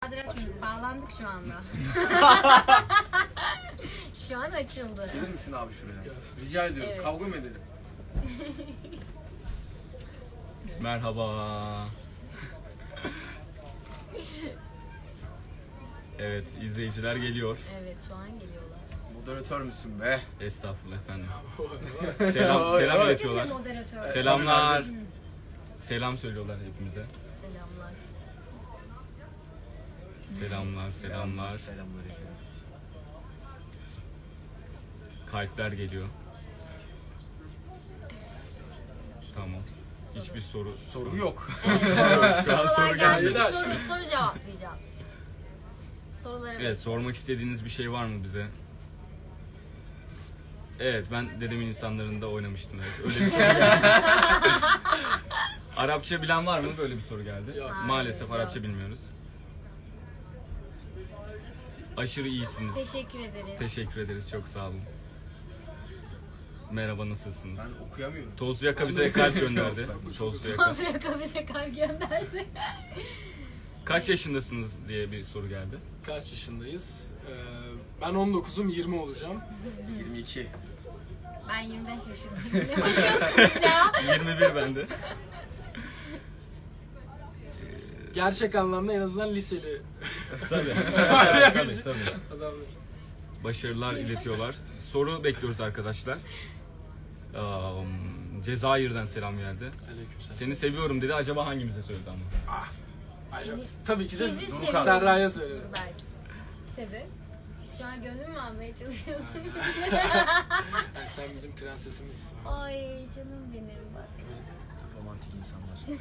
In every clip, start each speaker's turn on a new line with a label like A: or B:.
A: Açmayın, bağlandık şu anda. Şu an açıldı.
B: Gelir misin abi şuraya? Rica ediyorum.
A: Evet.
B: Kavga mı edelim?
C: Merhaba. Evet, izleyiciler geliyor.
A: Evet, şu an geliyorlar.
B: Moderatör müsün be?
C: Estağfurullah efendim. Selam iletiyorlar.
A: Moderatör.
C: Selamlar. Selam söylüyorlar hepimize.
A: Selamlar.
C: Selamlar.
B: Selamlar efendim.
C: Kalpler geliyor. Tamam. Hiçbir soru
B: Yok.
C: Şu an soru gelmedi.
A: Soru cevaplayacağız. Soruları
C: Evet, sormak istediğiniz bir şey var mı bize? Evet, ben Dedemin İnsanları'nda oynamıştım. Evet. Öyle bir soru geldi. Arapça bilen var mı? Böyle bir soru geldi.
D: Yok.
C: Maalesef
A: Hayır,
C: Arapça
A: yok.
C: bilmiyoruz. Aşırı iyisiniz.
A: Teşekkür ederiz.
C: Teşekkür ederiz, çok sağ olun. Merhaba, nasılsınız?
B: Ben okuyamıyorum.
C: Tozlu Yaka bize kalp gönderdi. Tozlu Yaka.
A: Tozlu Yaka bize kalp gönderdi.
C: Kaç yaşındasınız diye bir soru geldi.
D: Kaç yaşındayız? Ben 19'um, 20 olacağım.
B: 22.
A: Ben 25 yaşındayım. Ne bakıyorsunuz ya?
C: 21 bende.
D: Gerçek anlamda en azından liseli
C: Tabii. Tabii.
D: adamlar.
C: Başarılar iletiyorlar. Soru bekliyoruz arkadaşlar. Cezayir'den selam geldi.
D: Aleykümselam.
C: Seni seviyorum dedi. Acaba hangimize söyledi ama?
D: Acaba, tabii ki de
A: Sizi
D: Doruk
A: seviyorum.
D: Serra'ya söyledim.
A: Belki. Sebep? Şu an gönlüm mü almaya çalışıyorsun?
D: Yani sen bizim prensesimizsin.
A: Ay canım benim bak.
B: Romantik insanlar.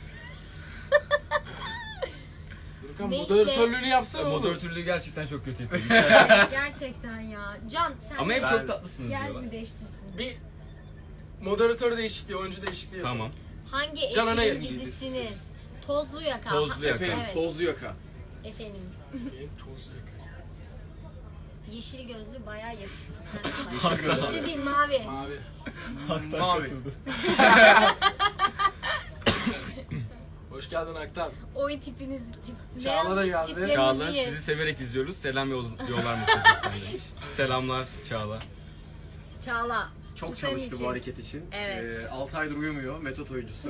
D: Durkan
A: Ne
D: moderatörlüğünü yapsana oğlum.
C: Moderatörlüğü gerçekten çok kötü yapıyor.
A: Gerçekten ya. Can sen
C: Ama hep
A: de
C: çok tatlısınız
A: gel
C: diyorlar.
A: bir değiştirsin.
D: Bir moderatör değişikliği, oyuncu değişikliği.
C: Tamam.
A: Hangi
D: Can Ana
A: ekibin
D: Yayın
A: dizisiniz? Tozlu Yaka.
C: Tozlu Yaka.
B: Efendim
A: Evet.
B: tozlu yaka.
A: Efendim.
D: Benim tozlu yaka.
A: Yeşil gözlü bayağı yakışıklı. Sen de
B: Yeşil
A: bak.
B: gözlü.
A: Yeşil değil mavi.
D: Mavi.
B: Mavi.
D: Hoş geldin Aktan.
A: Oy tipiniz
D: Çağla da
A: beğenmiş
D: geldi.
A: tiplerinizi
C: Çağla
A: yiyin.
C: sizi severek izliyoruz. Selam yollar mısınız lütfen demiş. Selamlar Çağla.
A: Çağla.
B: Çok
A: bu senin
B: çalıştı
A: için.
B: bu hareket için.
A: Evet.
B: 6 aydır uyumuyor. Metot oyuncusu.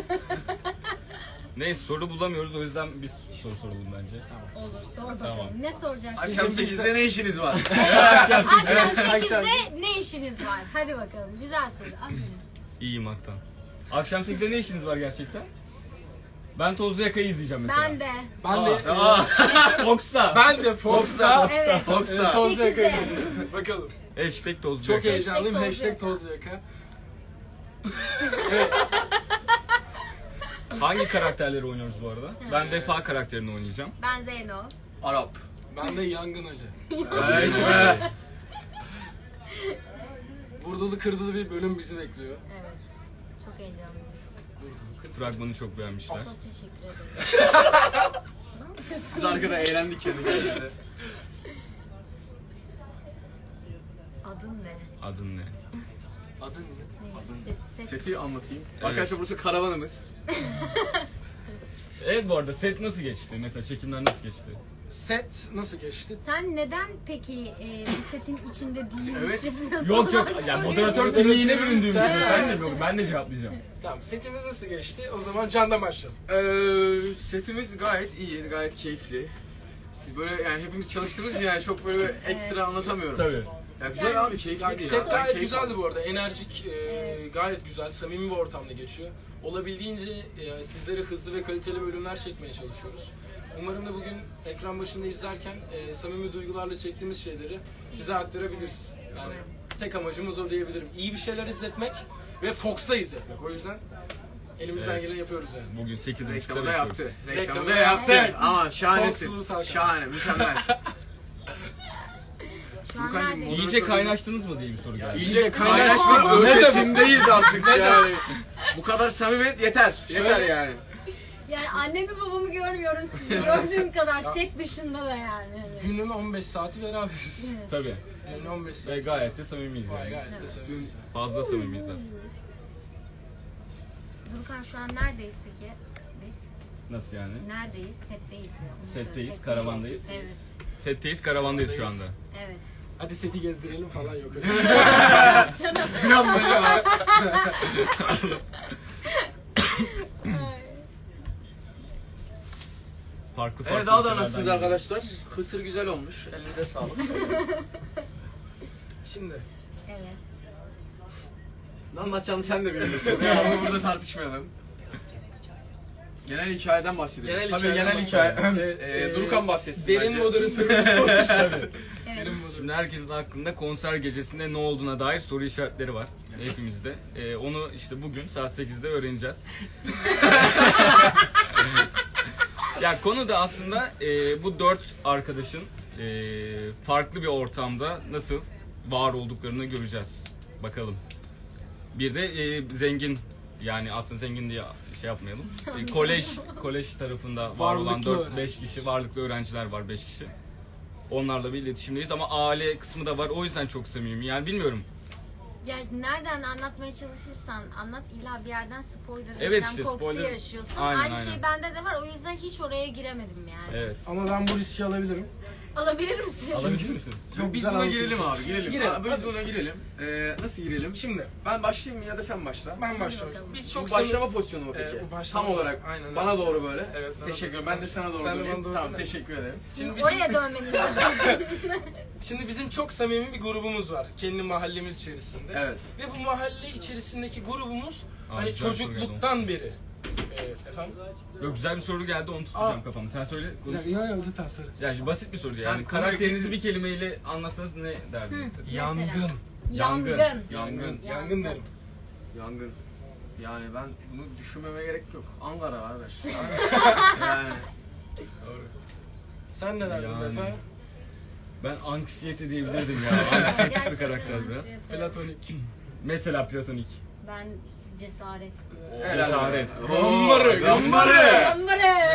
C: Neyse soru bulamıyoruz, o yüzden bir soru soralım bence.
A: Olur sor bakalım.
C: Tamam.
A: Ne soracaksın?
B: Akşam
D: Sizin
B: 8'de ne işiniz var?
A: Akşam
D: akşam.
A: 8'de ne işiniz var? Hadi bakalım. Güzel soru. Aferin.
C: İyiyim Aktan. Akşam 8'de ne işiniz var gerçekten? Ben Tozlu Yaka'yı izleyeceğim mesela.
A: Ben de.
D: Ben de
C: Fox'ta.
D: ben de Fox'ta
A: Evet.
B: Fox'ta.
D: tozlu yaka
A: 8'de.
D: izleyeceğim. Bakalım.
C: Hashtag Tozlu
D: Çok
C: Yaka.
D: heyecanlıyım.
A: Tozlu
D: Hashtag
A: yaka.
D: tozlu yaka.
C: Hangi karakterleri oynuyoruz bu arada? Ben Vefa karakterini oynayacağım.
A: Ben Zeyno.
B: Arap.
D: Ben de Yangın Ali.
B: Evet be.
D: Vurdulu kırdılı bir bölüm bizi bekliyor.
A: Evet. Çok heyecanlıyız.
C: Fragmanı çok beğenmişler.
A: Çok teşekkür ederim. Ne yapıyorsun?
B: Biz arkada eğlendik kendi kendimize.
A: Adın ne?
C: Adın ne?
D: Adın ne?
A: Set.
B: Seti anlatayım.
C: Evet.
B: Arkadaşlar burası karavanımız.
C: Evet, bu arada set nasıl geçti? Mesela çekimler nasıl geçti?
D: Set nasıl geçti?
A: Sen neden peki bu setin içinde değilmişçesine
C: Yok yok,
A: sorular
C: yani
A: soruyorsun?
C: moderatör kimliğine büründüğüm için.
D: Sen-
C: Ben de cevaplayacağım.
D: Tamam, setimiz nasıl geçti? O zaman Can'dan başlayalım.
B: Setimiz gayet iyi, gayet keyifli. Siz böyle yani hepimiz çalıştığımız yani çok böyle ekstra anlatamıyorum.
C: Tabii.
B: Ya güzel abi, keyifli
D: Yani
B: değil.
D: set
B: ya. Ben
D: gayet
B: keyif
D: güzeldi
B: aldım.
D: bu arada. Enerjik,
A: Evet.
D: gayet güzel, samimi bir ortamda geçiyor. Olabildiğince sizlere hızlı ve kaliteli bölümler çekmeye çalışıyoruz. Umarım da bugün ekran başında izlerken samimi duygularla çektiğimiz şeyleri size aktarabiliriz. Yani tek amacımız o diyebilirim. İyi bir şeyler izletmek ve Fox'a izletmek. O yüzden elimizden
C: Evet.
D: geleni yapıyoruz yani.
C: Bugün 8.30'da
B: Reklamı da
C: bekliyoruz.
B: yaptı.
D: Reklamı
B: Reklamı
D: da
B: da yaptı.
A: yaptı.
B: Ama şahanesin.
D: Fox'lu Salkan.
B: Şahane, mükemmel.
A: Şu an
B: Furkancığım,
A: neredeyiz?
C: İyice kaynaştınız mı diye bir soru geldi.
B: İyice kaynaşma ötesindeyiz artık yani. Bu kadar samimiyet yeter. Yeter yani.
A: Yani annemi babamı görmüyorum sizi gördüğüm kadar set dışında da yani. Hani.
D: Günün 15 saati beraberiz.
C: Tabii.
D: Günün 15
C: Ve
D: saati.
C: gayet de samimiyiz yani.
D: Gayet de samimiyiz.
C: Fazla samimiyiz zaten.
A: Durkan şu an neredeyiz peki? Biz
C: Nasıl yani?
A: Neredeyiz? Setteyiz ya. Onu
C: Setteyiz,
A: söyle.
C: karavandayız.
A: Evet.
C: Setteyiz, karavandayız şu anda.
A: Evet.
D: Hadi seti gezdirelim falan yok öyle.
B: Gram böyle var.
C: Farklı
B: Evet daha da
C: ülkelerden
B: nasılsınız
C: geliyor.
B: arkadaşlar? Kısır güzel olmuş. Elinize sağlık.
D: Şimdi
A: Evet.
B: Ne anlatacağını sen de biliyorsun. Ya ama burada tartışmayalım. Genel hikayeden bahsedelim.
D: Genel
B: Tabii
D: hikayeden
B: genel hikaye.
D: bahsedelim.
B: Durukan bahsetsin
D: derin
B: bence.
D: moderatörümüz olmuş.
A: Evet.
C: Şimdi herkesin aklında konser gecesinde ne olduğuna dair soru işaretleri var. Hepimizde. Onu işte bugün saat 8'de öğreneceğiz. Ya konu da aslında bu 4 arkadaşın farklı bir ortamda nasıl var olduklarını göreceğiz. Bakalım. Bir de zengin, yani aslında zengin diye şey yapmayalım. Kolej tarafında var olan
D: Varlıklı
C: 4-5 kişi varlıklı öğrenciler var, 5 kişi. Onlarla bir iletişimdeyiz ama aile kısmı da var. O yüzden çok samimi. Yani bilmiyorum.
A: Ya nereden anlatmaya çalışırsan anlat, illa bir yerden spoiler
C: Evet,
A: yaşam
C: işte
A: korkusu
C: spoiler-
A: yaşıyorsun.
C: Aynen,
A: Aynı
C: aynen.
A: şey bende de var, o yüzden hiç oraya giremedim yani.
C: Evet.
D: Ama ben bu riski alabilirim.
A: Alabilir misin?
C: Alabilir misin?
D: Çok
B: Biz
D: güzel
B: buna
D: anlatılmış.
B: girelim abi, girelim.
D: Girelim.
B: Abi, biz buna girelim. Nasıl girelim?
D: Şimdi
B: Ben başlayayım mı ya da sen başla?
D: ben başlıyorum. Biz
B: Çok
D: çok
B: başlama pozisyonu mu peki?
D: bu başlama
B: Tam olarak
D: aynen,
B: bana
D: evet.
B: doğru böyle.
D: Evet, sana
B: Teşekkür
D: doğru.
B: ederim. Ben de sana doğru
D: Sen de
B: döneyim.
D: bana doğru
B: Tamam,
D: dön.
B: teşekkür ederim.
D: Şimdi bizim,
A: Oraya dönmeniz lazım.
D: şimdi bizim çok samimi bir grubumuz var. Kendi mahallemiz içerisinde.
B: Evet.
D: Ve bu mahalle içerisindeki grubumuz hani
C: güzel bir soru
D: çocukluktan beri. Efendim?
C: Yok, güzel bir soru geldi, onu tutacağım
D: Aa.
C: kafamda. Sen söyle. Konuş.
D: Yok lütfen söyle.
C: Yani basit bir soru
B: Sen
C: yani.
B: konuyu-
C: Karakterinizi bir kelimeyle anlatsanız ne derdiniz?
D: Yangın.
C: Yangın.
B: Yangın.
D: Yangın derim.
B: Yangın. Yani ben bunu düşünmeme gerek yok. Ankara kardeş. Yani.
D: Doğru. Sen ne derdin
C: Yani.
D: Vefa?
C: Ben anksiyete diyebilirdim ya. Anksiyete
A: Gerçekten
C: karakter biraz.
A: evet.
D: Platonik.
C: Mesela platonik.
A: Ben cesaret.
C: Cesaret.
B: Gambarı. Gambarı.
A: Gambarı.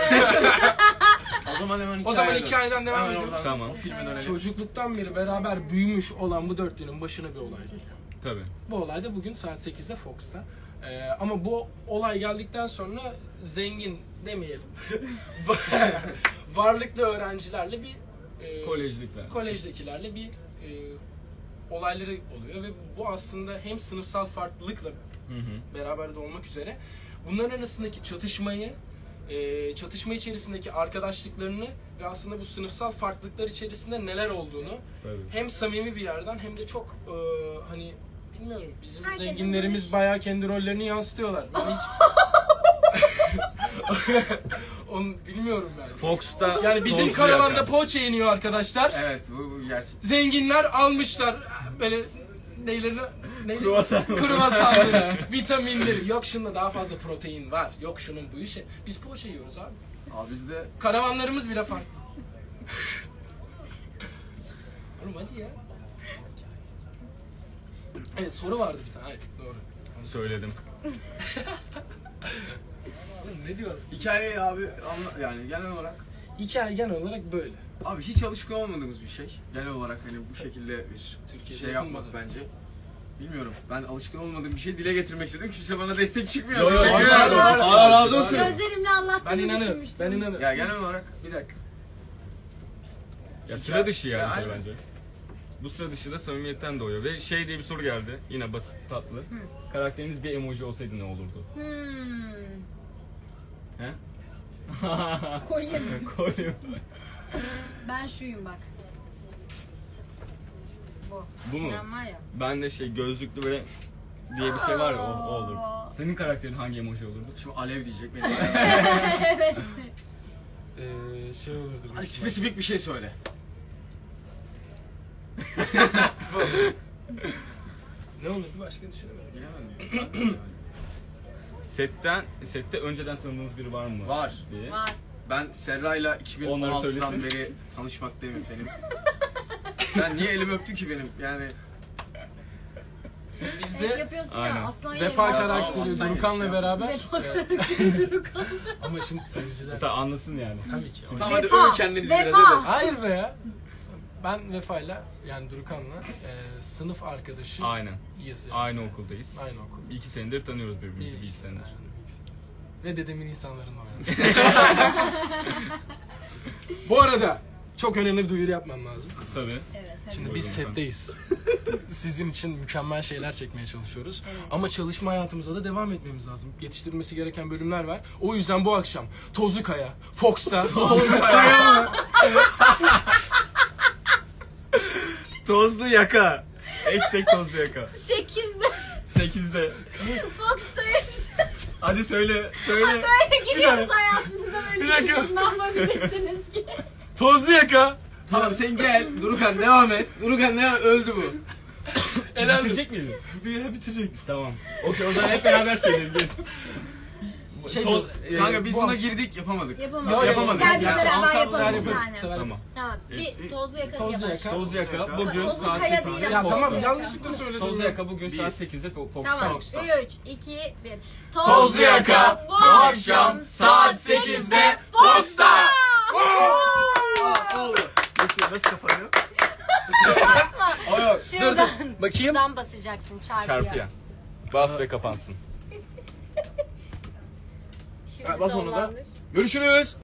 B: O zaman hemen
D: O zaman
B: hikayeden.
D: hikayeden devam
B: Hemen
D: ediyoruz.
B: oradan
C: Tamam.
B: o filme dönelim.
D: Çocukluktan beri beraber büyümüş olan bu dörtlünün başına bir olay geliyor.
C: Tabii.
D: Bu olay da bugün saat 8'de Fox'ta. Ama bu olay geldikten sonra zengin demeyelim. Varlıklı öğrencilerle bir
C: Kolejlikler.
D: kolejdekilerle bir olayları oluyor ve bu aslında hem sınıfsal farklılıkla
C: Hı hı.
D: beraber de olmak üzere bunların arasındaki çatışmayı, çatışma içerisindeki arkadaşlıklarını ve aslında bu sınıfsal farklılıklar içerisinde neler olduğunu
C: Tabii.
D: hem samimi bir yerden hem de çok hani bilmiyorum, bizim
A: Herkesin
D: zenginlerimiz
A: görüş-
D: bayağı kendi rollerini yansıtıyorlar. Ben hiç onu bilmiyorum ben.
C: Fox'ta
D: Yani bizim
C: tozlu
D: karavanda
C: yaka.
D: poğaça yeniyor arkadaşlar.
B: Evet bu gerçek.
D: Zenginler almışlar böyle neyleri
C: Kruvasan.
D: kruvasanları, vitaminleri. Yok şunda daha fazla protein var. Yok şunun bu işi. Biz poğaça yiyoruz abi.
B: Abi bizde
D: Karavanlarımız bile farklı. Oğlum hadi ya. Evet, soru vardı bir tane. Hayır, doğru.
C: Söyledim.
D: Oğlum ne diyorum?
B: hikayeyi abi yani genel olarak
D: Hikaye genel olarak böyle.
B: abi hiç alışkın olmadığımız bir şey. Genel olarak hani bu şekilde bir
D: Türkiye'de
B: şey yapmak
D: yapılmadı.
B: bence. Bilmiyorum. Ben alışkın olmadığım bir şey dile getirmek istedim. Kimse bana destek çıkmıyor.
C: Yo, yo,
B: Teşekkür
C: var,
B: ederim.
C: var, var.
B: Allah razı olsun.
A: Gözlerimle
D: Ben
A: anlattığını
D: inanırım.
A: düşünmüştüm.
D: Ben inanırım.
B: Ya genel olarak
D: Bir dakika.
C: Ya sıra dışı yani
B: Ya,
C: tabii
B: aynen.
C: bence. Bu sıra dışı da samimiyetten doğuyor ve şey diye bir soru geldi. Yine basit, tatlı. Karakteriniz bir emoji olsaydı ne olurdu? He?
A: Koyayım.
C: Koyayım.
A: Ben şuyum bak. Bu.
C: Bu mu?
A: Sen var ya.
C: Ben de şey gözlüklü böyle diye bir şey var ya, o olur. Senin karakterin hangi emoji olurdu?
B: şimdi alev diyecek benim.
D: Şey olurdu.
B: Hadi spesifik bir şey söyle.
D: Ne olurdu başka düşünemedim.
B: Bilemedim.
C: Sette önceden tanıdığınız biri var mı?
B: Var.
C: Diye.
A: Var.
B: Ben Serra'yla
C: Onları
B: 2016'dan
C: söylesin.
B: beri tanışmaktayım efendim. Sen niye elimi öptün ki benim? Yani
A: Hep
D: Bizde
A: yapıyorsun
C: Aynen.
A: ya. Aslan
D: Vefa
A: yerim.
D: karakteri
B: Aslan
D: Durukan'la
B: yemiş ya.
D: beraber. Ama şimdi seyirciler
C: Hatta anlasın yani.
D: tabii ki.
B: tamam hadi
A: Vefa,
B: övün kendinizi
A: Vefa.
B: biraz hadi.
D: Hayır be ya. Ben Vefa'yla yani Durukan'la sınıf arkadaşı
C: Aynen.
D: yani.
C: Aynı okuldayız.
D: Aynı okul.
C: 2 senedir tanıyoruz birbirimizi, bir iki senedir.
D: ve dedemin insanlarınla oynadım. Bu arada çok önemli bir duyuru yapmam lazım.
C: Tabii.
A: Evet. hadi.
D: Şimdi biz
C: Buyurun
D: setteyiz. Sizin için mükemmel şeyler çekmeye çalışıyoruz.
A: Evet.
D: Ama çalışma hayatımıza da devam etmemiz lazım. Yetiştirilmesi gereken bölümler var. O yüzden bu akşam Tozlu Kaya, Fox'ta
C: Tozlu yaka. Hashtag tozlu yaka.
A: 8'de
C: 8'de.
A: Fox'tayız.
C: Hadi söyle. Söyle.
A: Böyle gidiyoruz hayatınıza böyle.
D: Bir dakika.
A: Ne yapabilirsiniz ki?
D: Tozlu Yaka.
B: Tamam sen gel. Durukan devam et. Durukan ne öldü bu.
C: Bitirecek miydin?
D: Bitirecektim.
C: Tamam. Okey o zaman hep beraber söyleyelim. Gel.
D: Şey
C: Toz,
B: Kanka biz
D: bu
B: buna
D: akşam-
B: girdik yapamadık.
A: Yapamadık.
B: Yapamadık.
A: Gel biz
B: Ya,
A: beraber
B: ensemble
A: yapalım bir
D: yaparız.
A: tane.
D: Sever
C: Tamam.
A: Tamam. Bir tozlu yaka
D: Tozlu
A: yapalım.
D: Yaka.
C: Tozlu yaka bugün
A: Tozlu
C: saat
A: kaya
C: 8'de.
A: değil
D: Ya
A: ama.
D: tamam
A: Tozlu
D: yanlışlıkla söyledim.
C: Tozlu
D: ya.
C: yaka bugün
B: Bir.
C: saat 8'de Fox'ta.
A: Tamam.
B: Fox'ta.
A: 3, 2, 1.
B: Tozlu Yaka bu akşam saat 8'de Fox'ta. Oldu.
C: Nasıl kapanıyor?
B: O yok.
A: Şuradan.
D: Bakayım.
A: Şuradan basacaksın çarpıya.
C: Çarpıya. Bas ve kapansın.
A: Şimdi
B: Bas onu da.
A: sonlandır.
B: Görüşürüz.